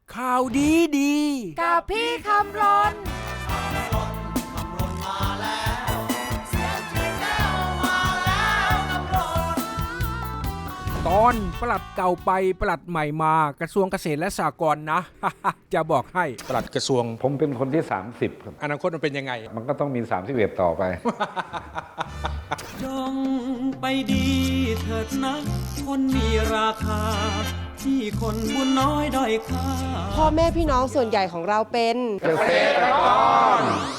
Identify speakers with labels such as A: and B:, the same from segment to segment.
A: ข่าวดีดี
B: กับพี่คำรน
A: ตอนปลัดเก่าไปปลัดใหม่มากระทรวงเกษตรและสหกรณ์นะ จะบอกให้ปลัดกระทรวง
C: ผมเป็นคนที่ 30 ครับ
A: อนาคตมันเป็นยังไง
C: มันก็ต้องมี 31 ต่อไป
D: จงไปดีเถิดนะคนมีราคา ที่คนบุญน้อยด้อยค่า
B: พ่อแม่พี่น้องส่วนใหญ่ของเราเป็น
C: เกษตรกร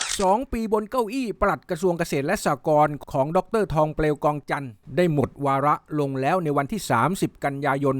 A: 2 ปีบนเก้าอี้ปลัดกระทรวงเกษตรและสหกรณ์ของดร.ทองเปลวกองจันทร์ได้หมดวาระลงแล้วในวันที่ 30 กันยายน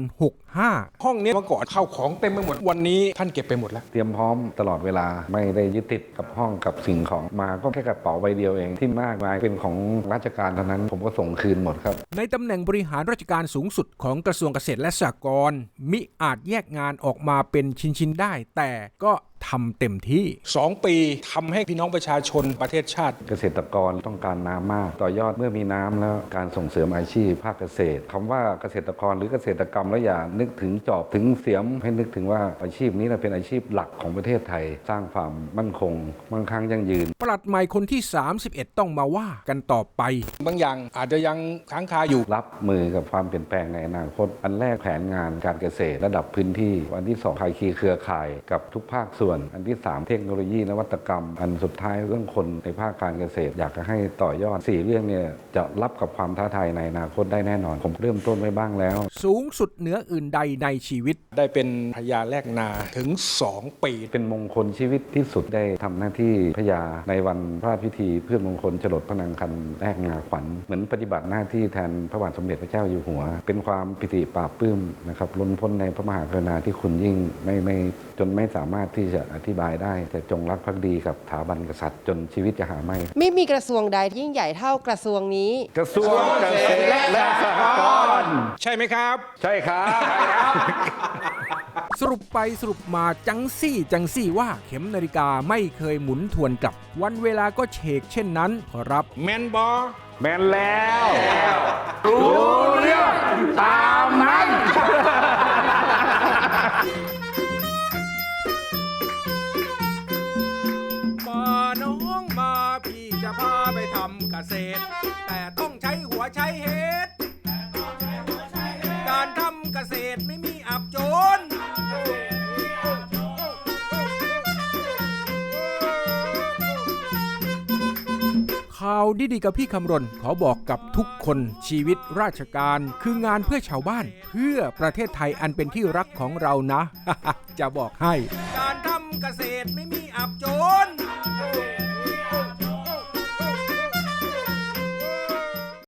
A: 65 ห้องนี้เมื่อก่อนเข้าของเต็มไปหมดวันนี้ท่านเก็บไปหมดแล้ว
C: เตรียมพร้อมตลอดเวลาไม่ได้ยึดติดกับห้องกับสิ่งของมาก็แค่กระเป๋าใบเดียวเองที่มากมายเป็นของราชการเท่านั้นผมก็ส่งคืนหมดครับ
A: ในตำแหน่งบริหารราชการสูงสุดของกระทรวงเกษตรและสหกรณ์มิอาจแยกงานออกมาเป็นชิ้นๆได้ แต่ก็ทำเต็มที่ 2 ปีทำให้พี่น้องประชาชนประเทศชาติ
C: เกษตรกรต้องการน้ำมากต่อยอดเมื่อมีน้ำแล้วการส่งเสริมอาชีพภาคเกษตรคำว่าเกษตรกรหรือเกษตรกรรมแล้วอย่านึกถึงจอบถึงเสียมให้นึกถึงว่าอาชีพนี้เป็นอาชีพหลักของประเทศไทย สร้างความมั่นคงมั่งคั่งยั่งยืน
A: ปลัดใหม่คนที่ 31 ต้องมาว่ากันต่อไป บางอย่างอาจจะยังค้างคาอยู่
C: รับมือกับความเปลี่ยนแปลงในอนาคตอันแรกแผนงานการเกษตรระดับพื้นที่อันที่2ภาคีเครือข่ายกับทุกภาคส่วนอันที่3เทคโนโลยีนวัตกรรมอันสุดท้ายเรื่องคนในภาคการเกษตรอยากจะให้ต่อยอด4เรื่องเนี่ยจะรับกับความท้าทายในอนาคตได้แน่นอนผมเริ่มต้นไว้บ้างแล้ว
A: สูงสุดเหนืออื่นใดในชีวิต ได้เป็นพญาแลกนาถึง 2 ปี
C: เป็นมงคลชีวิตที่สุดได้ทำหน้าที่พญาในวันพระราชพิธีเพื่อมงคลฉลดพระนางคันแรกงาขวัญเหมือนปฏิบัติหน้าที่แทนพระบาทสมเด็จพระเจ้าอยู่หัว เป็นความปิติปราบปลื้มนะครับล้นพ้นในพระมหากรุณาธิคุณยิ่งไม่จนไม่สามารถที่จะอธิบายได้แต่จงรักภักดีกับสถาบันกษัตริย์จนชีวิตจะหาไม่
B: ไม่มีกระทรวงใดยิ่งใหญ่เท่ากระทรวงนี้
C: กระทรวงเกษตรและสหกรณ์
A: ใช่ไหมครับ
C: ใช่ครับ
A: สรุปไปสรุปมาจังซี่ว่าเข็มนาฬิกาไม่เคยหมุนทวนกลับ วันเวลาก็เฉกเช่นนั้นขอรับแมนบอ
C: แมนแล้วรู้เรื่องตามนั้น
A: มาน้องมาพี่จะพาไปทำเกษตร แต่ต้องใช้หัวใช้เฮ็ดการทำเกษตรไม่มีอับจน ข่าวดีๆกับพี่คำรณขอบอกกับทุกคนชีวิตราชการคืองานเพื่อชาวบ้าน เพื่อประเทศไทยอันเป็นที่รักของเรานะ จะบอกให้การทำเกษตรไม่มี